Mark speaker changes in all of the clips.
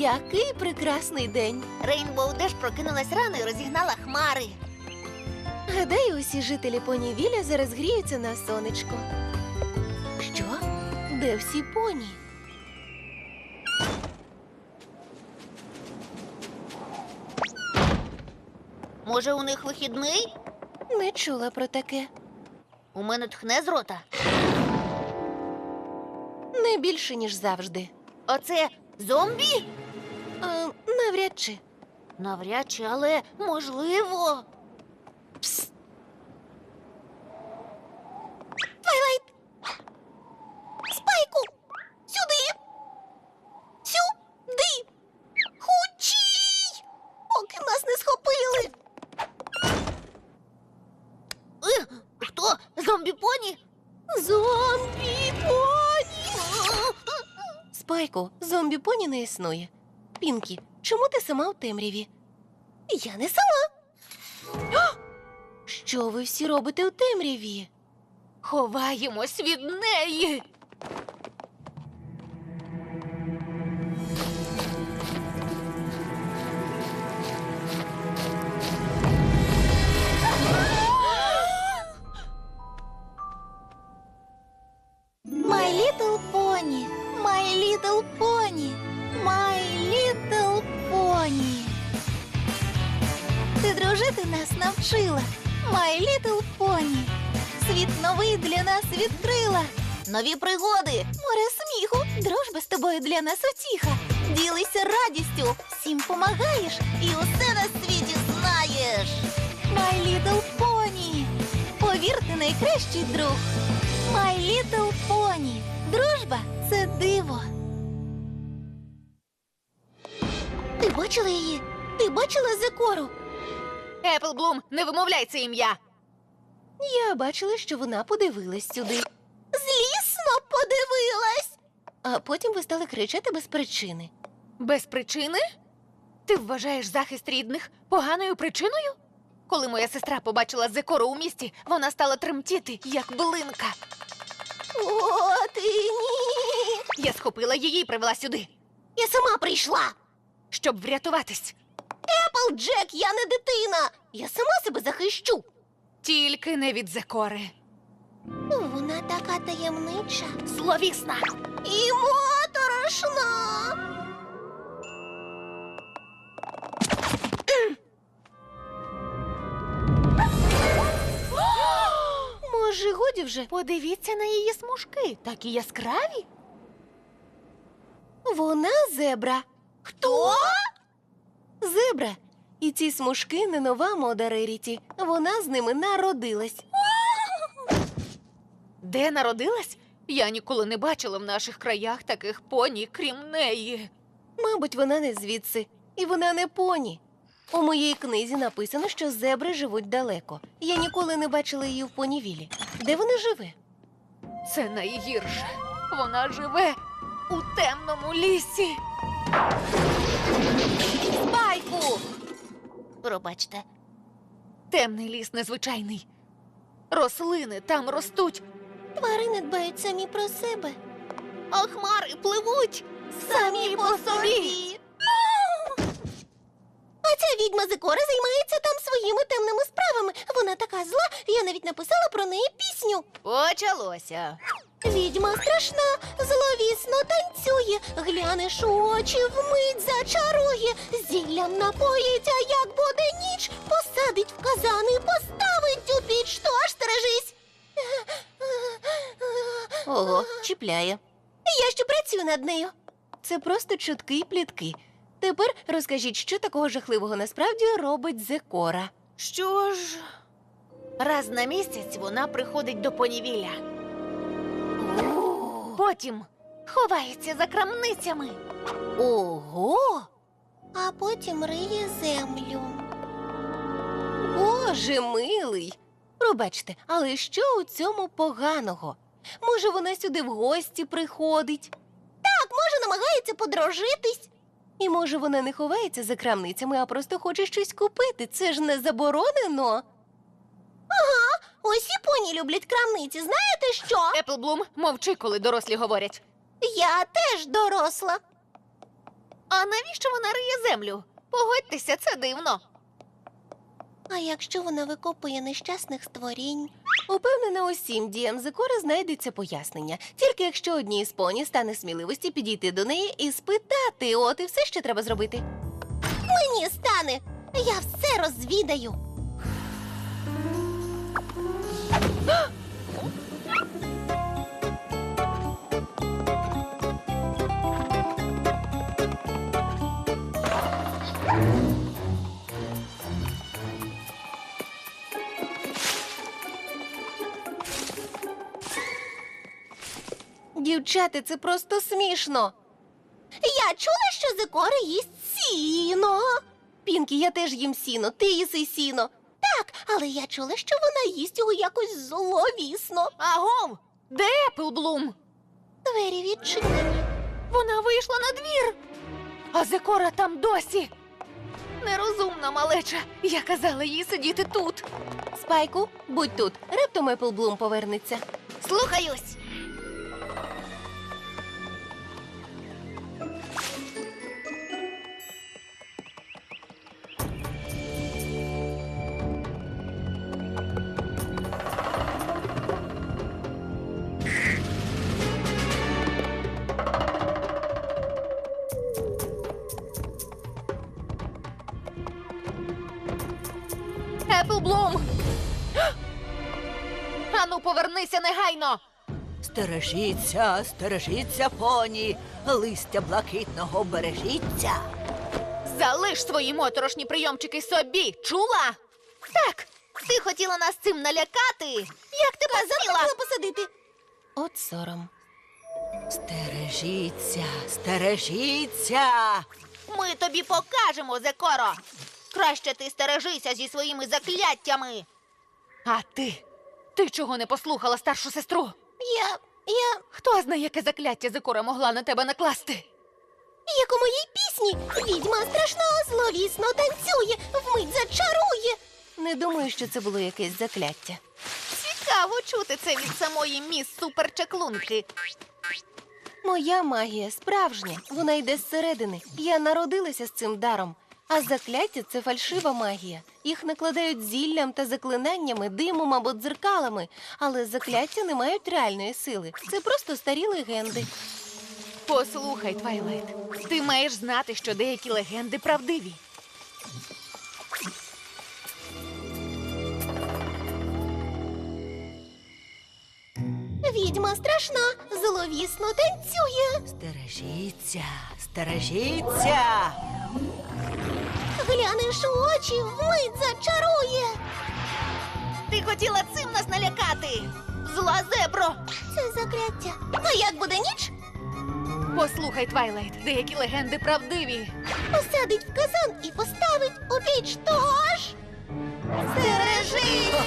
Speaker 1: Який прекрасний день!
Speaker 2: Рейнбоу Деш прокинулась рано і розігнала хмари.
Speaker 1: Гадаю, усі жителі Понівіля зараз гріються на сонечку. Що? Де всі поні?
Speaker 2: Може, у них вихідний?
Speaker 1: Не чула про таке.
Speaker 2: У мене тхне з рота.
Speaker 1: Не більше, ніж завжди.
Speaker 2: Оце зомбі?
Speaker 1: Навряд чи.
Speaker 2: Навряд чи, але можливо.
Speaker 1: Пс.
Speaker 2: Твайлайт! Спайку! Сюди! Сюди! Хучій! Поки нас не схопили. Хто? Зомбі-поні?
Speaker 1: Зомбі-поні! Спайку, зомбі-поні не існує. Пінкі, чому ти сама у темряві?
Speaker 2: Я не сама.
Speaker 1: Що ви всі робите у темряві?
Speaker 2: Ховаємось від неї. My little pony, my little pony, my little pony. Ти дружити нас навчила, my little pony. Світ новий для нас відкрила. Нові пригоди, море сміху, дружба з тобою для нас утіха. Ділися радістю, всім помагаєш і усе на світі знаєш. My little pony, повірте, найкращий друг. My little pony, дружба – це диво. Ти бачила її? Ти бачила Зекору? Еплблум, не вимовляй це ім'я.
Speaker 1: Я бачила, що вона подивилась сюди.
Speaker 2: Злісно подивилась.
Speaker 1: А потім ви стали кричати без причини.
Speaker 3: Без причини? Ти вважаєш захист рідних поганою причиною? Коли моя сестра побачила Зекору у місті, вона стала тремтіти, як билинка.
Speaker 2: О, ти ні.
Speaker 3: Я схопила її і привела сюди,
Speaker 2: Я сама прийшла.
Speaker 3: щоб врятуватись.
Speaker 2: Еплджек, я не дитина. Я сама себе захищу.
Speaker 3: Тільки не від Зекори.
Speaker 2: Вона така таємнича.
Speaker 3: Зловісна.
Speaker 2: І моторошна.
Speaker 1: Може, годі вже?
Speaker 3: Подивіться на її смужки, такі яскраві.
Speaker 1: Вона зебра.
Speaker 2: Хто?
Speaker 1: Зебра. І ці смужки не нова мода Реріті. Вона з ними народилась.
Speaker 3: Де народилась? Я ніколи не бачила в наших краях таких поні, крім неї.
Speaker 1: Мабуть, вона не звідси. І вона не поні. У моїй книзі написано, що зебри живуть далеко. Я ніколи не бачила її в Понівілі. Де вона живе?
Speaker 3: Це найгірше. Вона живе у темному лісі.
Speaker 2: Спайку. Пробачте.
Speaker 3: Темний ліс незвичайний. Рослини там ростуть.
Speaker 2: Тварини дбають самі про себе. А хмари пливуть самі по собі. А ця відьма Зекора займається там своїми темними справами. Вона така зла, я навіть написала про неї пісню.
Speaker 3: Почалося.
Speaker 2: Відьма страшна, зловісно танцює, глянеш у очі, вмить зачарує, зіллям напоїть, а як буде ніч, посадить в казан і поставить у піч, тож стережись.
Speaker 1: Ого, чіпляє.
Speaker 2: Я ще працюю над нею.
Speaker 1: Це просто чутки й плітки. Тепер розкажіть, що такого жахливого насправді робить Зекора.
Speaker 3: Що ж? Раз на місяць вона приходить до Понівіля. Потім ховається за крамницями.
Speaker 1: Ого!
Speaker 2: А потім риє землю.
Speaker 1: Боже милий! Пробачте, але що у цьому поганого? Може, вона сюди в гості приходить?
Speaker 2: Так, може, намагається подружитись.
Speaker 1: І може вона не ховається за крамницями, а просто хоче щось купити. Це ж не заборонено.
Speaker 2: Усі поні люблять крамниці, знаєте що?
Speaker 3: Еплблум, мовчи, коли дорослі говорять.
Speaker 2: Я теж доросла.
Speaker 3: А навіщо вона риє землю? Погодьтеся, це дивно.
Speaker 1: А якщо вона викопує нещасних створінь? Упевнена, усім діям Зекори знайдеться пояснення. Тільки якщо одній із поні стане сміливості підійти до неї і спитати, от і все, що треба зробити.
Speaker 2: Мені стане. Я все розвідаю.
Speaker 1: Дівчата, це просто смішно.
Speaker 2: Я чула, що Зекора їсть сіно.
Speaker 1: Пінкі, я теж їм сіно, ти їси сіно.
Speaker 2: Так, але я чула, що вона їсть його якось зловісно.
Speaker 3: Агов! Де Еплблум?
Speaker 2: Двері відчинені.
Speaker 3: Вона вийшла на двір. А Зекора там досі. Нерозумна малеча. Я казала їй сидіти тут.
Speaker 1: Спайку, будь тут. Раптом Еплблум повернеться.
Speaker 3: Слухаюсь. Еплблум! Ану, повернися негайно!
Speaker 4: Стережіться, стережіться, поні, листя блакитного бережіться.
Speaker 3: Залиш свої моторошні прийомчики собі, чула? Так, ти хотіла нас цим налякати? Як ти посміла?
Speaker 2: Посадити.
Speaker 1: От сором.
Speaker 4: Стережіться, стережіться.
Speaker 3: Ми тобі покажемо, Зекоро. Краще ти стережися зі своїми закляттями. А ти? Ти чого не послухала старшу сестру?
Speaker 2: Я,
Speaker 3: Хто знає, яке закляття Зекора могла на тебе накласти?
Speaker 2: як у моїй пісні, відьма страшна, зловісно танцює, вмить зачарує.
Speaker 1: Не думаю, що це було якесь закляття.
Speaker 3: Цікаво чути це від самої міс Суперчаклунки.
Speaker 1: Моя магія справжня, вона йде зсередини. Я народилася з цим даром. А закляття – це фальшива магія. Їх накладають зіллям та заклинаннями, димом або дзеркалами. Але закляття не мають реальної сили. Це просто старі легенди.
Speaker 3: Послухай, Твайлайт, ти маєш знати, що деякі легенди правдиві.
Speaker 2: Відьма страшна, зловісно танцює.
Speaker 4: Стережіться, стережіться.
Speaker 2: Глянеш у очі, вмить зачарує.
Speaker 3: Ти хотіла цим нас налякати! Зла зебро!
Speaker 2: Це закляття. А як буде ніч?
Speaker 3: Послухай, Твайлайт, деякі легенди правдиві.
Speaker 2: Посадить в казан і поставить у піч. Тож стережись!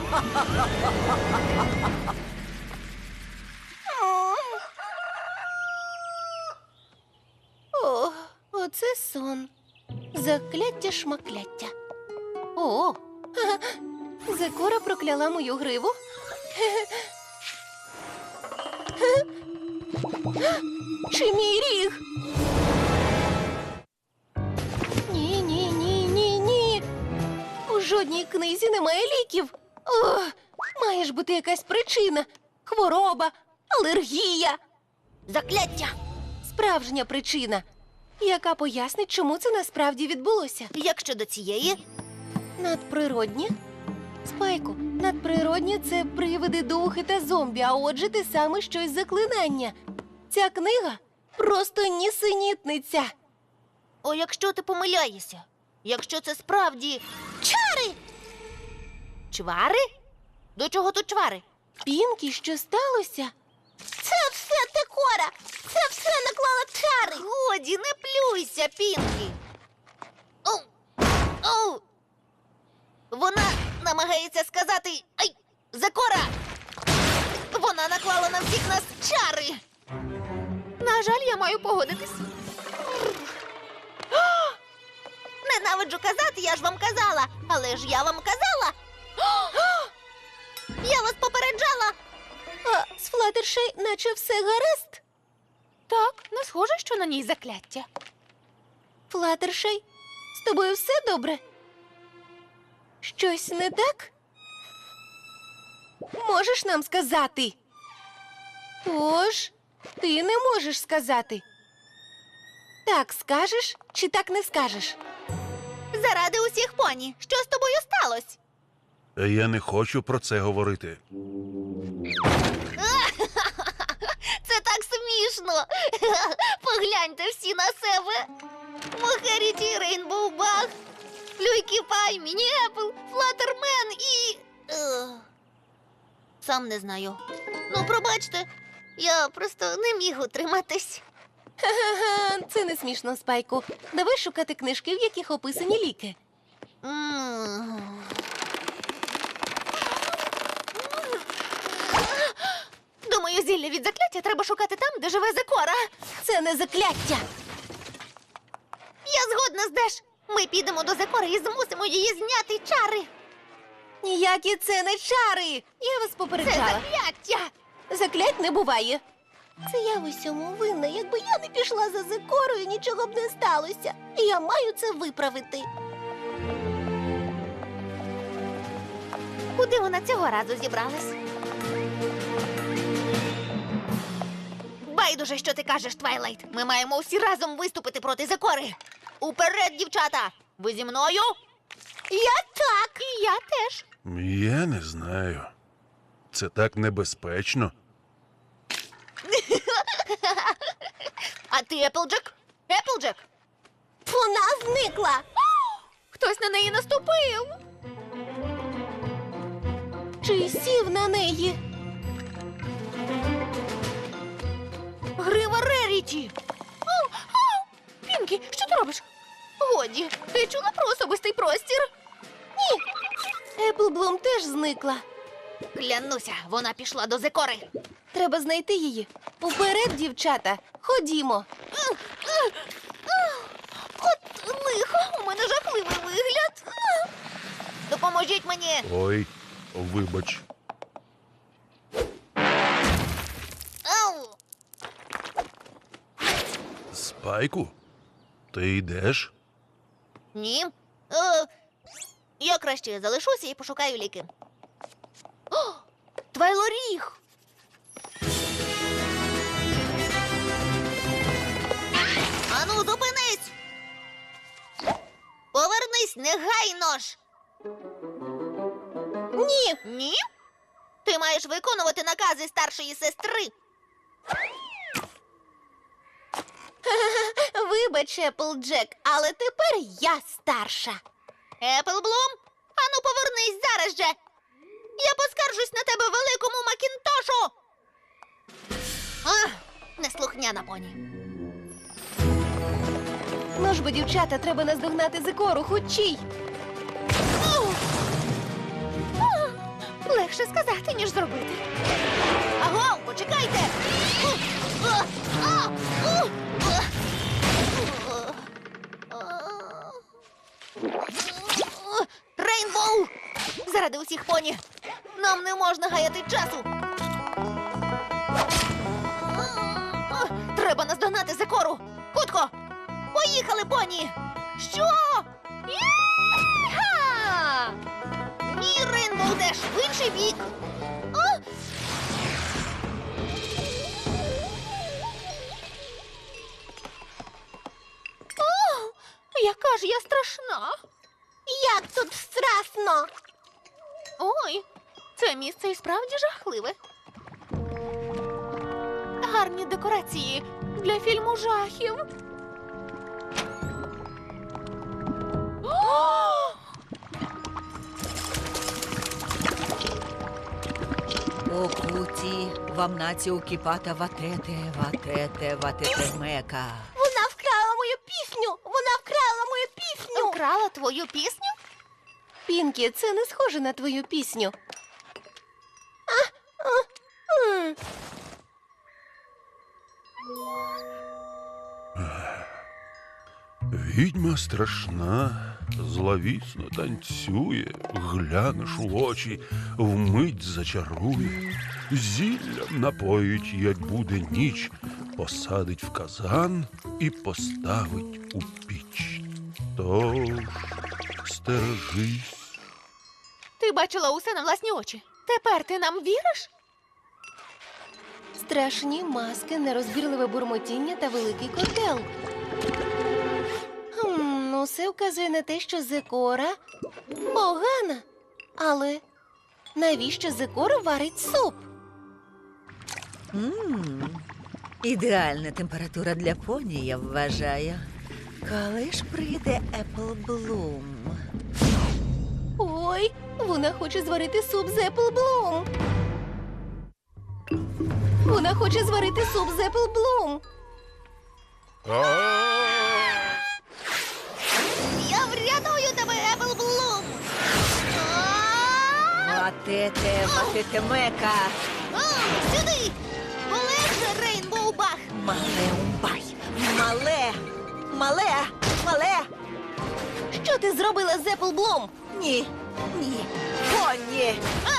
Speaker 1: О, оце сон. Закляття шмакляття. О, Зекора прокляла мою гриву. Чи мій ріг? Ні, ні, ні, ні, ні. У жодній книзі немає ліків. О, має ж бути якась причина. Хвороба, алергія.
Speaker 2: Закляття!
Speaker 1: Справжня причина, яка пояснить, чому це насправді відбулося.
Speaker 2: Як щодо цієї?
Speaker 1: Надприродні? Спайку, надприродні – це привиди, духи та зомбі, а отже, те саме щось заклинання. Ця книга просто нісенітниця.
Speaker 2: О, якщо ти помиляєшся? Якщо це справді чари?
Speaker 3: Чвари? До чого тут чвари?
Speaker 1: Пінкі, що сталося?
Speaker 2: Це все Зекора! Це все наклала чари!
Speaker 3: Годі, не плюйся, Пінкі.
Speaker 2: Оу! Оу! Вона намагається сказати «Ай! Зекора!» Вона наклала на всіх нас чари!
Speaker 3: На жаль, я маю погодитись.
Speaker 2: Ненавиджу казати, я ж вам казала! Але ж я вам казала! Я вас попереджала!
Speaker 1: А з Флаттершей наче все гаразд.
Speaker 3: Так, не схоже, що на ній закляття.
Speaker 1: Флаттершай, з тобою все добре? Щось не так? Можеш нам сказати? Тож, ти не можеш сказати. Так скажеш чи так не скажеш?
Speaker 2: Заради усіх поні, що з тобою сталося?
Speaker 5: Я не хочу про це говорити.
Speaker 2: Це так смішно. Погляньте всі на себе. Мохеріті, Рейнбоу Баг, Флюйкі Пай, Міні Епл, Флаттермен і... Сам не знаю. Ну, пробачте, я просто не міг утриматись.
Speaker 1: Ха-ха-ха, це не смішно, Спайку. Давай шукати книжки, в яких описані ліки.
Speaker 2: М.
Speaker 3: Думаю, зілля від закляття треба шукати там, де живе Зекора.
Speaker 1: Це не закляття.
Speaker 2: Я згодна з Деш. Ми підемо до Зекори і змусимо її зняти чари.
Speaker 1: Ніякі це не чари. Я вас
Speaker 2: Це
Speaker 1: попереджала.
Speaker 2: закляття.
Speaker 1: Заклять не буває. Це я в усьому винна. Якби я не пішла за Зекорою, нічого б не сталося. І я маю це виправити.
Speaker 2: Куди вона цього разу зібралась?
Speaker 3: Байдуже, що ти кажеш, Твайлайт. Ми маємо всі разом виступити проти Зекори. Уперед, дівчата! Ви зі мною?
Speaker 1: Я так.
Speaker 3: І я теж.
Speaker 5: Я не знаю. Це так небезпечно.
Speaker 3: А ти, Еплджек? Еплджек?
Speaker 1: Вона зникла.
Speaker 3: Хтось на неї наступив.
Speaker 1: Чи сів на неї?
Speaker 3: Грива Реріті. Пінкі, що ти робиш? Годі, ти чула про особистий простір?
Speaker 1: Еплблум теж зникла.
Speaker 3: Клянуся, вона пішла до Зекори.
Speaker 1: Треба знайти її. Уперед, дівчата. Ходімо.
Speaker 3: От лихо, у мене жахливий вигляд. Допоможіть мені.
Speaker 5: Ой, вибач.
Speaker 3: Ау!
Speaker 5: Спайку? Ти йдеш?
Speaker 2: Ні. Я краще залишуся і пошукаю ліки.
Speaker 3: О, Твайлоріг!
Speaker 2: Ану, зупинись! Повернись негайно ж!
Speaker 1: Ні.
Speaker 2: Ні? Ти маєш виконувати накази старшої сестри.
Speaker 1: Вибач, Еплджек, але тепер я старша.
Speaker 2: Еплблум, ану повернись зараз же! Я поскаржусь на тебе великому Макінтошу! Неслухняна поні.
Speaker 1: Ну ж бо, дівчата, треба наздогнати Зекору, хутчій.
Speaker 3: Легше сказати, ніж зробити.
Speaker 2: Аго, почекайте! Рейнбоу!
Speaker 3: Заради усіх поні.
Speaker 2: Нам не можна гаяти часу!
Speaker 3: Треба наздогнати Зекору. Хутко!
Speaker 2: Поїхали, поні!
Speaker 3: Що? Є-ха!
Speaker 2: Ні, Рейнбоу Деш, в інший бік!
Speaker 3: Яка ж я страшна.
Speaker 1: Як тут страшно.
Speaker 3: Ой, це місце і справді жахливе. Гарні декорації для фільму жахів. О!
Speaker 4: Окуті, вам наці укіпата ватете мека.
Speaker 1: Вона вкрала мою пісню. Вона вкрала мою пісню.
Speaker 3: Украла твою пісню?
Speaker 1: Пінкі, це не схоже на твою пісню.
Speaker 5: Відьма страшна, зловісно танцює, глянеш у очі, вмить зачарує, зіллям напоїть, як буде ніч, посадить в казан і поставить у піч. Тож стережись.
Speaker 3: Ти бачила усе на власні очі. Тепер ти нам віриш?
Speaker 1: Страшні маски, нерозбірливе бурмотіння та великий котел. Ну, все вказує на те, що Зекора погана. Але навіщо Зекора варить суп?
Speaker 4: Ідеальна температура для поні, я вважаю. Коли ж прийде Еплблум?
Speaker 1: Ой, вона хоче зварити суп з Еплблум. Вона хоче зварити суп з Еплблум.
Speaker 2: Я врятую тебе, Еплблум!
Speaker 4: Матете мека!
Speaker 2: Сюди! Полегше, Рейнбоу-бах!
Speaker 4: Мале умбай! Мале!
Speaker 1: Що ти зробила з Еплблум?
Speaker 4: Ні! Поні!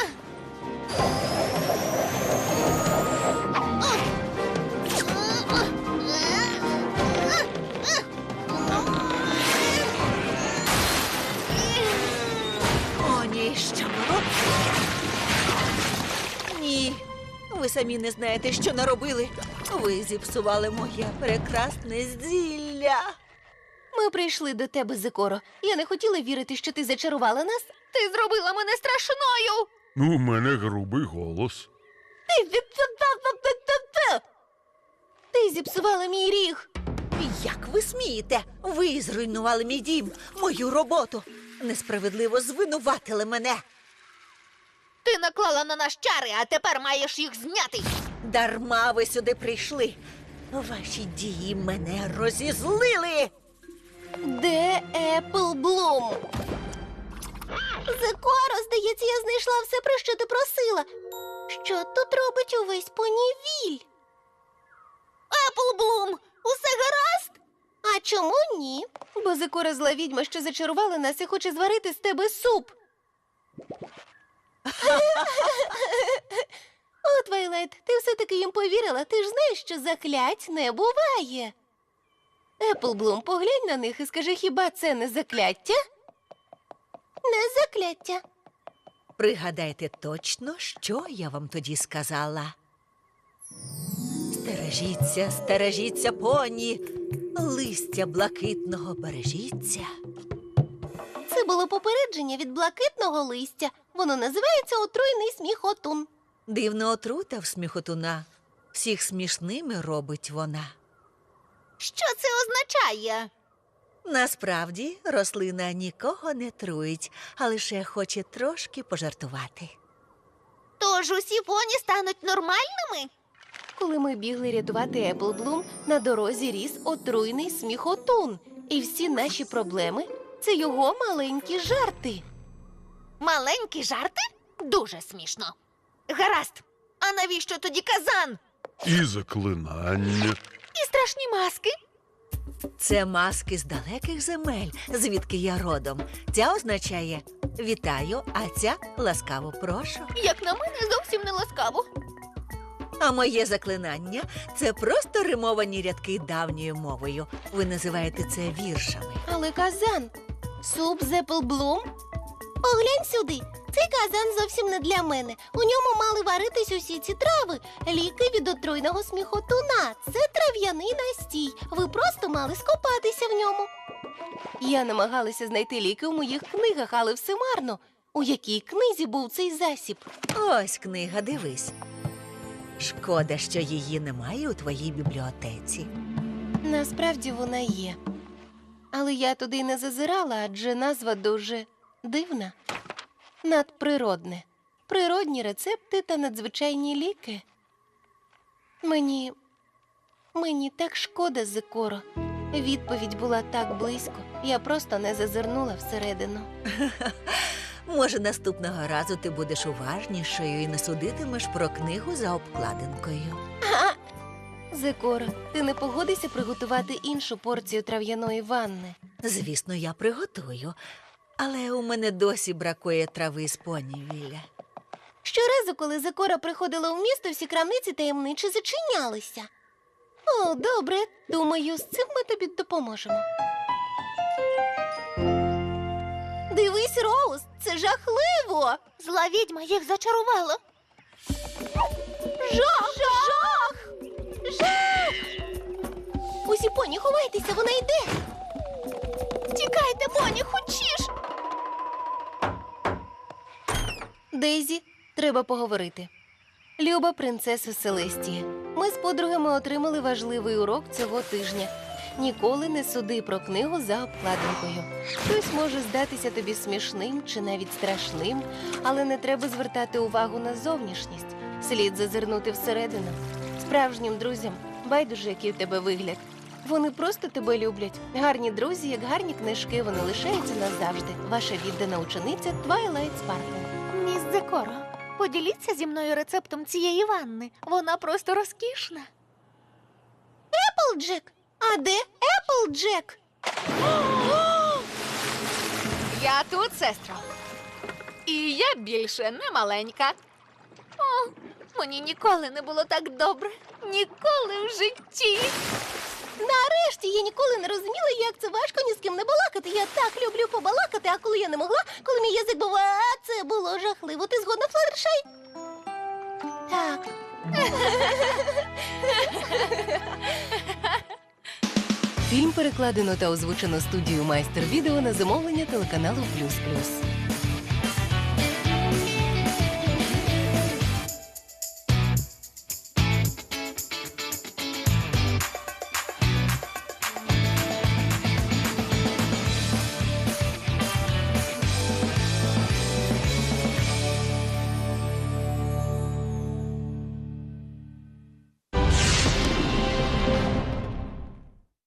Speaker 4: Поні, що? Ні, ви самі не знаєте, що наробили. Ви зіпсували моє прекрасне зілля.
Speaker 1: Ми прийшли до тебе, Зекоро. Я не хотіла вірити, що ти зачарувала нас.
Speaker 3: Ти зробила мене страшною!
Speaker 5: Ну, у мене грубий голос.
Speaker 1: Ти зіпсувала мій ріг.
Speaker 4: Як ви смієте? Ви зруйнували мій дім, мою роботу. Несправедливо звинуватили мене.
Speaker 3: Ти наклала на нас чари, а тепер маєш їх зняти.
Speaker 4: Дарма ви сюди прийшли. Ваші дії мене розізлили.
Speaker 1: Де Еплблум? Зекоро, здається, я знайшла все, про що ти просила. Що тут робить увесь понівіль?
Speaker 2: Еплблум, усе гаразд?
Speaker 1: А чому ні? Бо Зекора зла відьма, що зачарувала нас і хоче зварити з тебе суп. О, Твайлайт, ти все-таки їм повірила. Ти ж знаєш, що заклять не буває. Еплблум, поглянь на них і скажи, хіба це не закляття? Не закляття.
Speaker 4: Пригадайте точно, що я вам тоді сказала. Стережіться, поні. Листя блакитного бережіться.
Speaker 1: Це було попередження від блакитного листя. Воно називається отруйний сміхотун.
Speaker 4: Дивна отрута в сміхотуна. Всіх смішними робить вона.
Speaker 2: Що це означає?
Speaker 4: Насправді, рослина нікого не труїть, а лише хоче трошки пожартувати.
Speaker 2: Тож усі поні стануть нормальними?
Speaker 1: Коли ми бігли рятувати Еплблум, на дорозі ріс отруйний сміхотун. І всі наші проблеми – це його маленькі жарти.
Speaker 3: Маленькі жарти? Дуже смішно. Гаразд. А навіщо тоді казан?
Speaker 5: І заклинання.
Speaker 3: І страшні маски?
Speaker 4: Це маски з далеких земель, звідки я родом. Ця означає «вітаю», а ця «ласкаво прошу».
Speaker 3: Як на мене, зовсім не ласкаво.
Speaker 4: А моє заклинання – це просто римовані рядки давньою мовою. Ви називаєте це віршами.
Speaker 1: Але казан – суп з Еплблум? Поглянь сюди. Цей казан зовсім не для мене. У ньому мали варитись усі ці трави. Ліки від отруйного сміхотуна. Це трав'яний настій. Ви просто мали скопатися в ньому. Я намагалася знайти ліки у моїх книгах, але все марно. У якій книзі був цей засіб?
Speaker 4: Ось книга, дивись. Шкода, що її немає у твоїй бібліотеці.
Speaker 1: Насправді вона є. Але я туди й не зазирала, адже назва дуже дивна. Надприродне. Природні рецепти та надзвичайні ліки. Мені так шкода, Зекоро. Відповідь була так близько. Я просто не зазирнула всередину.
Speaker 4: Може, наступного разу ти будеш уважнішою і не судитимеш про книгу за обкладинкою.
Speaker 1: Зекоро, ти не погодишся приготувати іншу порцію трав'яної ванни?
Speaker 4: Звісно, я приготую. Але у мене досі бракує трави з понівіля.
Speaker 1: Щоразу, коли Зекора приходила у місто, всі крамниці таємниче зачинялися. О, добре. Думаю, з цим ми тобі допоможемо.
Speaker 2: Дивись, Роуз, це жахливо. Зла відьма їх зачарувала. Жах! Жах! Жах!
Speaker 1: Усі поні, ховайтеся, вона йде.
Speaker 2: Тікайте, поні, хочеш?
Speaker 1: Дейзі, треба поговорити. Люба принцеса Селестія, ми з подругами отримали важливий урок цього тижня. Ніколи не суди про книгу за обкладинкою. Хтось може здатися тобі смішним чи навіть страшним, але не треба звертати увагу на зовнішність. Слід зазирнути всередину. Справжнім друзям байдуже, який у тебе вигляд. Вони просто тебе люблять. Гарні друзі, як гарні книжки, вони лишаються назавжди. Ваша віддана учениця Твайлайт Спаркл.
Speaker 3: Міс Зекоро, поділіться зі мною рецептом цієї ванни. Вона просто розкішна.
Speaker 2: Еплджек! А де Еплджек?
Speaker 3: Я тут, сестро. І я більше не маленька. О, мені ніколи не було так добре. Ніколи в житті.
Speaker 2: Нарешті я ніколи не розуміла, як це важко ні з ким не балакати. Я так люблю побалакати, а коли я не могла, коли мій язик був, це було жахливо. Ти згодна, Флаттершай? Так.
Speaker 1: Фільм перекладено та озвучено студією Майстер Відео на замовлення телеканалу Плюс Плюс.